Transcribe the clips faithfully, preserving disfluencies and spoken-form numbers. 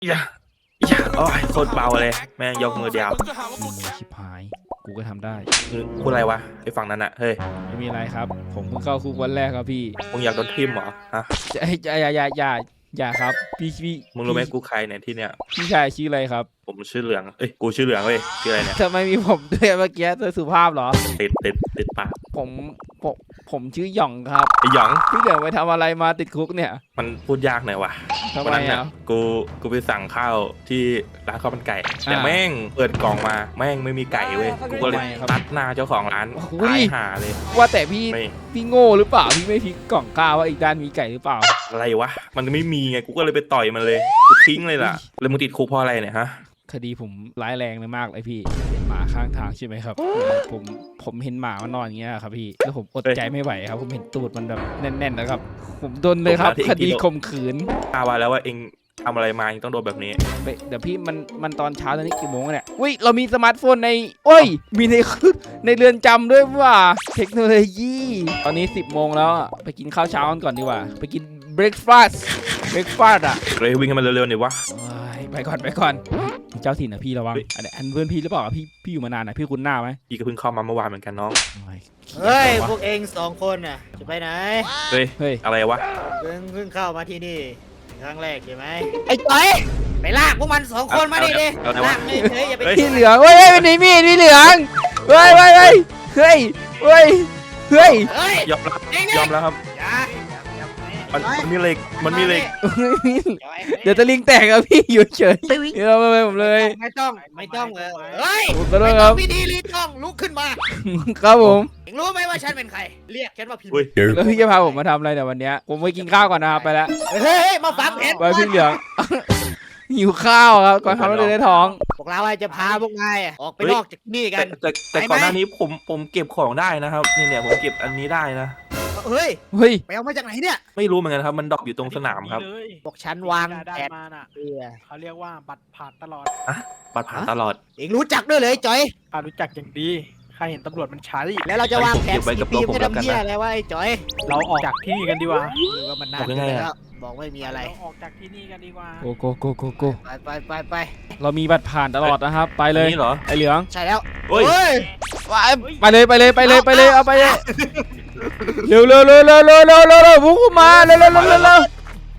อย่าอย่าโอ้ยโคตรเบาเลยแม่งยกมือเดียวมีมือชิบหายกูก็ทำได้พูดอะไรวะไอ้ฝั่งนั้นอะเฮ้ยไม่มีอะไรครับผมเพิ่งเข้าคุกวันแรกครับพี่มึงอยากโดนทิ่มเหรอฮะอย่าอย่าอย่าอย่าอย่าครับพี่พี่มึงรู้ไหมกูใครเนี่ยที่เนี้ยพี่ชายชื่ออะไรครับผมชื่อเหลืองเอ้ยกูชื่อเหลืองเว้ยชื่ออะไรเนี่ยทำไมมีผมด้วยเมื่อกี้เธอสุภาพเหรอติดติดติดปากผมผมผมชื่อหย่องครับไอ้หยองพี่เหลืองไปทำอะไรมาติดคุกเนี่ยมันพูดยากหน่อยวะทำไมอ่ะกูกูไปสั่งข้าวที่ร้านข้าวมันไก่แต่แม่งเปิดกล่องมาแม่งไม่มีไก่เว้ยกูก็เลยตัดหน้าเจ้าของร้านตายห่าเลยว่าแต่พี่พี่โง่หรือเปล่าพี่ไม่พลิกกล่องข้าวว่าอีกด้านมีไก่หรือเปล่าอะไรวะมันไม่มีไงกูก็เลยไปต่อยมันเลยกูทิ้งเลยล่ะแล้วมึงติดคุกเพราะอะไรเนี่ยฮะคดีผมร้ายแรงเลยมากเลยพี่เห็นหมาข้างทางใช่ไหมครับผมผมเห็นหมามันนอนอย่างเงี้ยครับพี่แล้วผมอดใจไม่ไหวครับผมเห็นตูดมันแบบแน่นๆนะครับผมโดนเลยครับคดีข่มขืนอ้าวแล้วว่าเองทำอะไรมาเองต้องโดนแบบนี้เดี๋ยวพี่มันมันตอนเช้าตอนนี้กี่โมงเนี่ยอุ้ยเรามีสมาร์ทโฟนในโอ้ยมีในในเรือนจำด้วยว่าเทคโนโลยีตอนนี้สิบโมงแล้วไปกินข้าวเช้ากันก่อนดีกว่าไปกินเบรคฟาสต์เบรคฟาสต์อ่ะเรยวิ่งกันมาเร็วๆหน่อยวะไปก่อนไปก่อนเจ้าถิ่นนะพี่ระวังอันนี้อันเพื่อนพี่หรือเปล่าพี่พี่อยู่มานานนะพี่คุ้นหน้าไหมพี่ก็เพิ่งเข้ามาเมื่อวานเหมือนกันน้องเฮ้ยพวกเองสองคนน่ะจะไปไหนเฮ้ยเฮ้ยอะไรวะเพิ่งเพิ่งเข้ามาที่นี่ครั้งแรกใช่ไหมไอ้จ้อยไปลากพวกมันสองคนมาดิดิลากไม่เฉยอย่าไปพี่เหลืองเฮ้ยเป็นมีมีดพี่เหลืองเฮ้ยเฮ้ยเฮ้ยเฮ้ยเฮ้ยเฮ้ยยอมรับยอมแล้วครับมันมีเหล็กมันมีเหล็กเดี๋ยวจะลิงแตกอะพี่อยู่เฉยเดี๋ยวไม่ไม่ผมเลยไม่ต้องไม่ต้องเลยเฮ้ยก็ได้ครับพี่ดีรีต้องลุกขึ้นมาครับผมเอ็งรู้ไหมว่าฉันเป็นใครเรียกฉันว่าพี่แล้วพี่จะพาผมมาทำอะไรแต่วันนี้ผมไปกินข้าวก่อนนะครับไปแล้วเฮ้ยมาฟังเพจไปพี่เหลืองหิวข้าวครับก่อนทำให้ได้ท้องพวกเราจะพาพวกนายออกไปนอกจากนี่กันแต่แต่ก่อนหน้านี้ผมผมเก็บของได้นะครับนี่เนี่ยผมเก็บอันนี้ได้นะเฮ้ยเฮ้ยไปเอามาจากไหนเนี่ยไม่รู้เหมือนกันครับมันดรอปอยู่ตรงสนามครับบอกฉันวางแผนมาน่ะเขาเรียกว่าบัตรผ่านตลอดอะบัตรผ่านตลอดเอ็งรู้จักด้วยเลยจอยข้ารู้จักอย่างดีข้าเห็นตำรวจมันใช้แล้วเราจะวางแผนสีปีมจะทำเหี้ยอะไรวะไอ้จอยเราออกจากที่นี่กันดีกว่าหรือว่ามันนานแล้วบอกไม่มีอะไรออกจากที่นี่กันดีกว่าโกโกโกโกโกไปไปไปไปเรามีบัตรผ่านตลอดนะครับไปเลยนี่เหรอไอเหลืองใช่แล้วเฮ้ยไปเลยไปเลยไปเลยไปเลยเอาไปเลยเร็วเร็วเร็วเร็วเร็วเร็วเร็วเร็วพุ่งมาเร็วเร็วเร็วเร็วเร็ว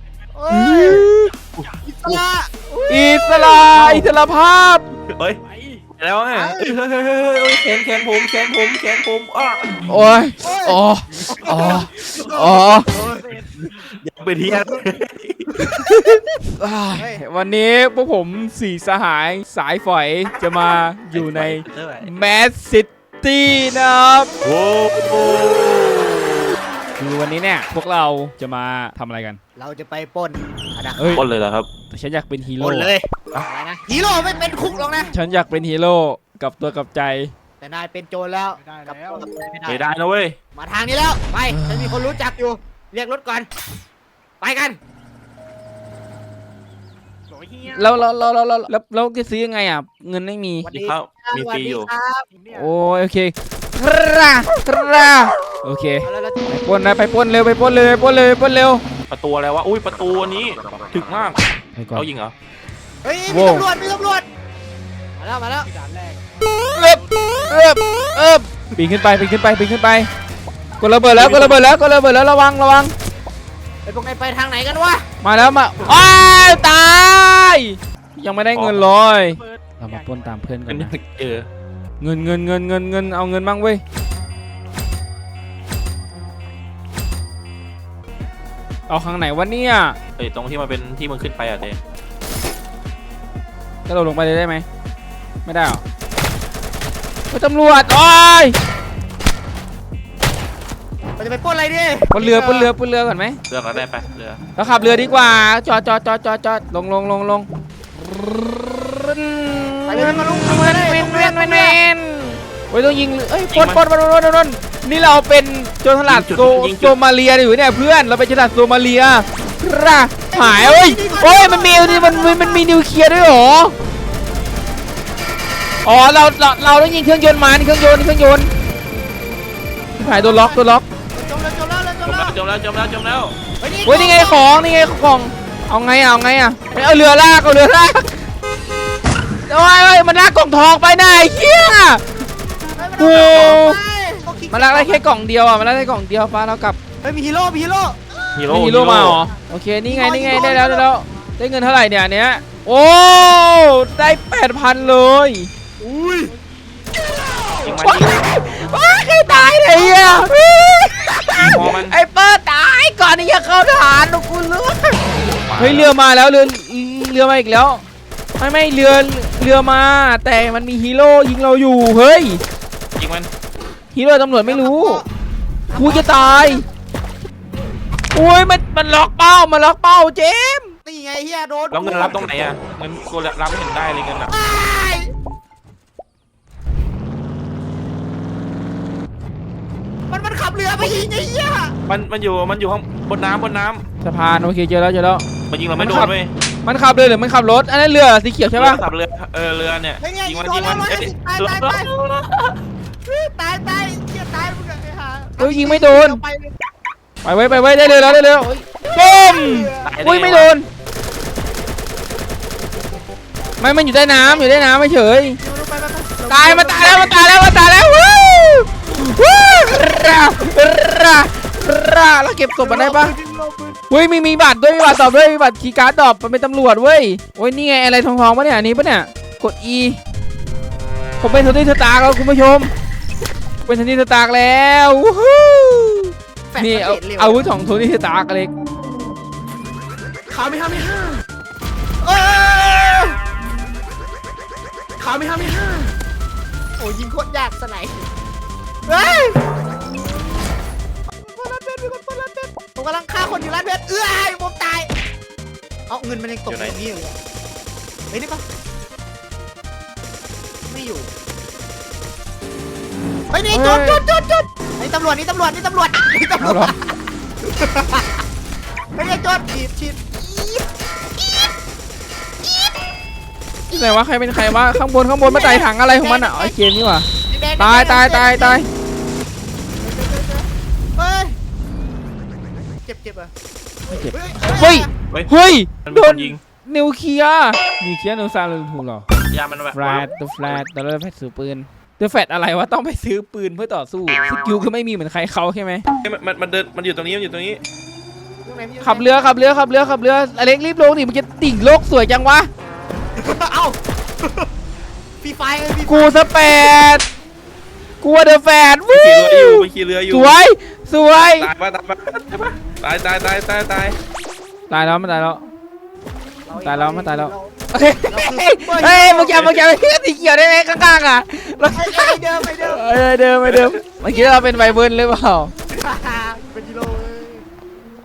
อิสระอิสระอิสระภาพเฮ้ยแล้วไงแขนแขนผมแขนผมแขนผมอ้อโอ้ยอ๋ออ๋ออ๋ออย่าไปเที่ยววันนี้พวกผมสี่สหายสายฝอยจะมาอยู่ในแมสซิตี้นะครับโอ้คือวันนี้เนี่ยพวกเราจะมาทำอะไรกันเราจะไปปล้นปล้นเลยเหรอครับแต่ฉันอยากเป็นฮีโร่ปล้นเลยอะไรนะฮีโร่ไม่เป็นคุกหรอกนะฉันอยากเป็นฮีโร่กับตัวกับใจแต่นายเป็นโจรแล้วกับตัวกับใจไม่ได้ไม่ได้นะเว้ยมาทางนี้แล้วไปฉันมีคนรู้จักอยู่เรียกรถก่อนไปกันแล้วแล้วแล้วแล้วแล้วแล้วจะซื้อยังไงอ่ะเงินไม่มีมีข้าวมีฟรีอยู่โอ้โอเคคราคราโอเคไปปล้นนะไปปล้นเร็วไปปล้นเร็วไปปล้นเร็วไปปล้นเร็วประตูอะไรวะอุ้ยประตูนี้ถึกมากเขายิงเหรอเฮ้ยมีตำรวจมีตำรวจมาแล้วมาแล้วด่านแรกเอิบเอิบเอิบปีนขึ้นไปปีนขึ้นไปปีนขึ้นไปกดระเบิดแล้วกดระเบิดแล้วกดระเบิดแล้วระวังระวังไอ้พวกนายไปทางไหนกันวะมาแล้วมาอ้าวตายยังไม่ได้เงินเลยเรามาปล้นตามเพื่อนกันนะเออเงินเงินเงินเงินเงินเอาเงินบ้างเว้ยเอาข้างไหนวะเนี่ยเอ้ยตรงที่มันเป็นที่มึงขึ้นไปอ่ะเต้ก็เราลงไปเลยได้ไหมไม่ได้หรอไปตำรวจโอ้ยเราจะไปปล้นอะไรดิปล้นเรือปล้นเรือปล้นเรือก่อนไหมเรือก็ได้ไปเรือเราขับเรือดีกว่าจอดจอดจอดจอดจอดลงลงลงลงไปเลยมาลุงเว้นเว้นเว้นเว้นเว้นโอ้ยต้องยิงเอ้ยปล้นปล้นปล้นปล้นปล้นนี่เราเป็นโจรสลัดโซโซมาเลียอยู่เนี่ยเพื่อนเราเป็นโจรสลัดโซมาเลียร่าหายเอ้ยโอ้ยมันมีนี่มันมันมีนิวเคลียร์ด้วยหรออ๋อเราเราเราต้องยิงเครื่องยนต์มานี่เครื่องยนต์นี่เครื่องยนต์หายตัวล็อกตัวล็อกจมแล้วจมแล้วจมแล้วจมแล้วจมแล้วจมแล้วโอ้ยนี่ไงของนี่ไงของเอาไงอะเอาไงอะเอาเรือลากเอาเรือลากโอ้ยโอ้ยมันลากกล่องทองไปไหนเฮีย โอ้ มันลากได้แค่กล่องเดียวอ่ะมันลากได้กล่องเดียวป้าเรากลับเฮ้ยมีฮีโร่มีฮีโร่ฮีโร่มีฮีโร่มาเหรอโอเคนี่ไงนี่ไงได้แล้วได้แล้วได้เงินเท่าไหร่เนี่ยอันเนี้ยโอ้ได้แปดพันเลยอุ้ยยิงมันว้ายิงวว้าใครตายเลยอ่ะยิงหัวมันไอ้เปิดตายก่อนที่จะเข้าฐานลูกกูเลือเฮ้ยเรือมาแล้วเรือเรือมาอีกแล้วไม่ไม่เรือเรือมา แต่มันมีฮีโร่ยิงเราอยู่เฮ้ยยิงมันฮีโร่ตำรวจไม่รู้กูจะตายโอ้ยมันมันล็อกเป้ามันล็อกเป้าเจมส์นี่ไงเฮียโดนแล้วเงินรับตรงไหนอ่ะเงินกูรับไม่เห็นได้เลยเงินอ่ะตายมันมันขับเรือไปยิงไอ้เหี้ยมันมันอยู่มันอยู่ข้างบนน้ำบนน้สะพานโอเคเจอแล้วเจอแล้วำมันยิงเราไม่โดมันขันบเว้ยมันขับเรือหรือมันขับรถอันนั้นเรือสีเขียวใช่ปะขับเรือเออเรือเนี่ยเฮ้ยไงยิงยิงมันโดยินงแล้มัวน ร้อยเอ้ยห้าสิบตายตายตายตายตายเหี้ยตายมึงไอ้ห่าเอ้ยยิงไม่โดนไปเลยไปไว้ไปไว้ได้เลยแล้วได้เลยปุ้มตายด้อุ้ยไม่โดนไม่มันอยู่ใต้น้ำอยู่ใต้น้ำไม่เฉยไปไปไปตายมาตายแล้วมาตายแล้วมาตายแล้ววู้วู้ราราราเราเก็บศพมันได้ปะเฮ้ยมีมีบัตรด้วยมีบัตรตอบด้วยมีบัตรคีย์การ์ดตอบมันเป็นตำรวจเว้ยโอ้ยนี่ไงอะไรทองๆปะเนี่ยอันนี้ปะเนี่ยกด E ผมเป็นโทนี่สตาร์แล้วคุณผู้ชมเป็นโทนี่สตาร์แล้ววู้ฮู้นี่เอาอาวุธของโทนี่สตาร์เล็กขาไม่ห้าไม่ห้าเออขาไม่ห้าไม่ห้าโอ้ยิงโคตรยากสไนป์เฮ้ยคนร้านเพชรมีคนคนร้านเพชรผมกำลังฆ่าคนอยู่ร้านเพชรเอ้ยผมตายเอาเงินมันยังตกอยู่นี่อยู่เฮ้ยนี่ปะไม่อยู่เฮ้ยนี่จุดจุดจุดจุดนี่ตำรวจนี่ตำรวจนี่ตำรวจนี่ตำรเอาวเหรอจไม่ใช่จุดฉีดฉีดไหนวะใครเป็นใครวะข้างบนข้างบนมาไต่ถังอะไรของมันอ่ะไอ้เกมนี่วะตายตายตายตายเฮ้ยเจ็บเจ็บอ่ะเฮ้ยเฮ้ยเฮ้ยมันโดมีคนนยิงนิวเคลียร์นิวเคลียร์นิวซาลูนถูกหรอยามันแบบแฟลตตัวแฟลตตัวแฟลตซื้อปืนตัวแฟลตอะไรวะต้องไปซื้อปืนเพื่อต่อสู้สกิลก็ไม่มีเหมือนใครเขาใช่ไหมเฮ้ยมันมันมันเดินมันอยู่ตรงนี้มันอยู่ตรงนี้ขับเรือขับเรือขับเรือขับเรืออเล็กรีบลงดิมันจะติ่งโลกสวยจังวะเอ้าฟีไฟฟีกูสเปดกูเดอะแฟลตวู้ขี่เรืออยู่ไปขี่เรืออยู่สวยสวยตายปะตายปะตายปะตายตายตายตายตายตายแล้วมันตายแล้ว ตายแล้วมันตายแล้ว เฮ้ยมึงจำมึงจำไอ้สีเขียวได้ไหมข้างๆอ่ะไปเดิมไปเดิมเออเดิมไปเดิมเมื่อกี้เราเป็นไวเบิร์นหรือเปล่าฮ่าฮ่า